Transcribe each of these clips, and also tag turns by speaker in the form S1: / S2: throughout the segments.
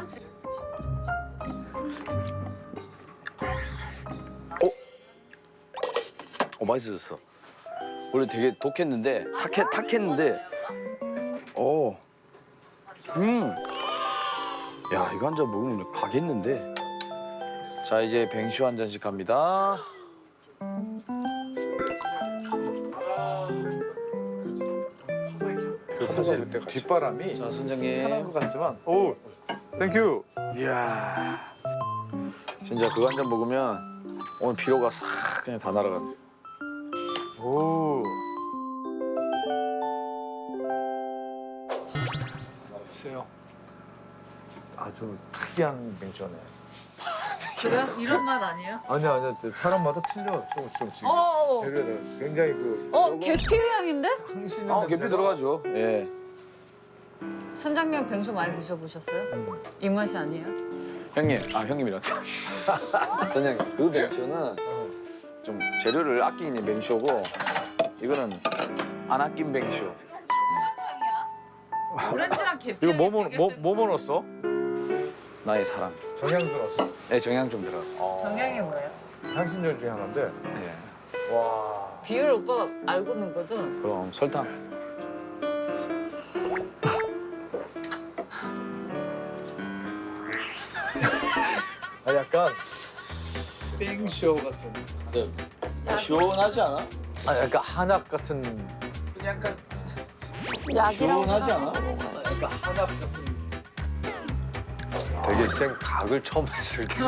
S1: 맛있어졌어. 원래 되게 독했는데 탁했는데 야, 이거 한 잔 먹으면 가겠는데. 자, 이제 뱅쇼 한 잔씩 갑니다.
S2: 사실 뒷바람이
S1: 자,
S2: 편한
S1: 선장님.
S2: 것 같지만 오, 땡큐.
S1: 이야, 진짜 그거 한 잔 먹으면 오늘 피로가 싹 그냥 다 날아가.
S2: 오. 보세요. 아주 특이한 뱅쇼네.
S3: 그래요? 이런 맛 아니에요?
S2: 아니야, 사람마다 틀려. 조금씩.
S3: 어.
S2: 재료들 굉장히 그
S3: 계피 향인데?
S2: 향신료.
S1: 아, 계피 들어가죠. 예.
S3: 선장님 뱅수 많이 드셔보셨어요? 이 맛이 아니에요?
S1: 형님이란다. 선장님, 그 뱅쇼는 좀 재료를 아끼는 뱅쇼고 이거는 안 아낀 뱅쇼.
S3: 오렌지랑 계피
S2: 이거
S3: 향이
S2: 뭐 넣었어?
S1: 나의 사랑.
S2: 정향도 넣었어?
S1: 네, 정향 좀 들어가.
S3: 정향이 뭐예요?
S2: 향신료 중에 하나인데.
S1: 네.
S2: 와.
S3: 비율 오빠가 알고 넣은 거죠?
S1: 그럼 설탕.
S2: 아, 약간 뱅쇼 같은.
S1: 시원하지 않아?
S2: 아, 약간 한약 같은.
S1: 약간
S3: 약이라고
S1: 시원하지 않아?
S2: 약간 한약 같은. 되게 생 각을 처음 했을 때.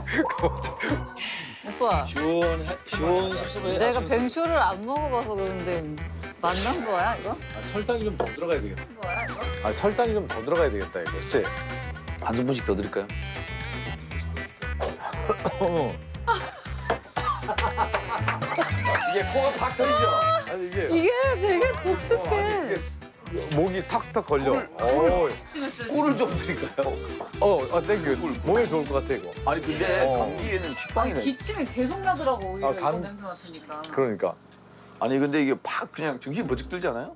S3: 오빠
S1: 시원섭섭해.
S3: 내가 뱅쇼를 안 먹어봐서 그러는데 맛난 거야 이거?
S2: 설탕이 좀 더 들어가야 되겠다.
S3: 거야 이거?
S2: 아, 설탕이 좀 더 들어가야 되겠다, 이거. 그치?
S1: 한 스푼씩 더 드릴까요? 이게 코가 팍 터지죠?
S2: 아니, 이게
S3: 이게 되게 독특해.
S2: 목이 탁탁 걸려.
S1: 꿀을 좀 드릴까요?
S2: 땡큐. 몸에 좋을 것 같아, 이거.
S1: 아니 근데
S2: 어.
S1: 감기에는 식빵이네.
S3: 기침이 계속 나더라고 오히려
S2: 아,
S3: 이거
S2: 간-
S3: 냄새 맡으니까.
S2: 그러니까.
S1: 아니 근데 이게 팍 그냥 정신 번쩍 들지 않아요?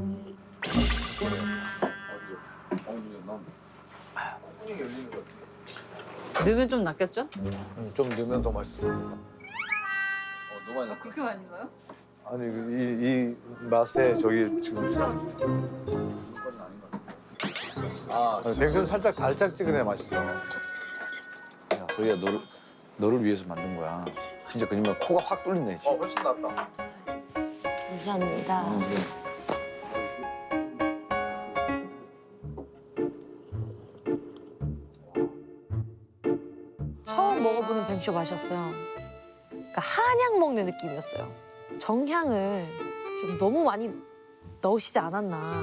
S3: 넣으면 좀 낫겠죠?
S2: 좀 넣으면 더 맛있어.
S1: 너무 많이 넣고.
S3: 그렇게 많이 넣어요?
S2: 아니, 이 맛에 저기 지금. 뱅수는 살짝 달짝지근해 맛있어.
S1: 야, 도희야 너를 위해서 만든 거야. 진짜 거짓말 코가 확 뚫린다 지금.
S2: 훨씬 낫다.
S3: 감사합니다.
S4: 처음 먹어보는 뱅쇼 맛이었어요. 그러니까 한약 먹는 느낌이었어요. 정향을 좀 너무 많이 넣으시지 않았나.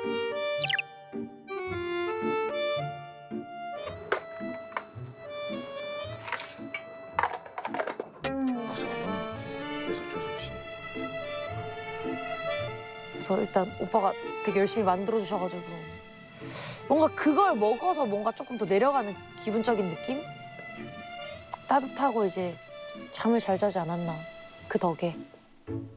S4: 그래서 일단 오빠가 되게 열심히 만들어 주셔가지고 뭔가 그걸 먹어서 뭔가 조금 더 내려가는 기분적인 느낌? 따뜻하고 이제 잠을 잘 자지 않았나 그 덕에.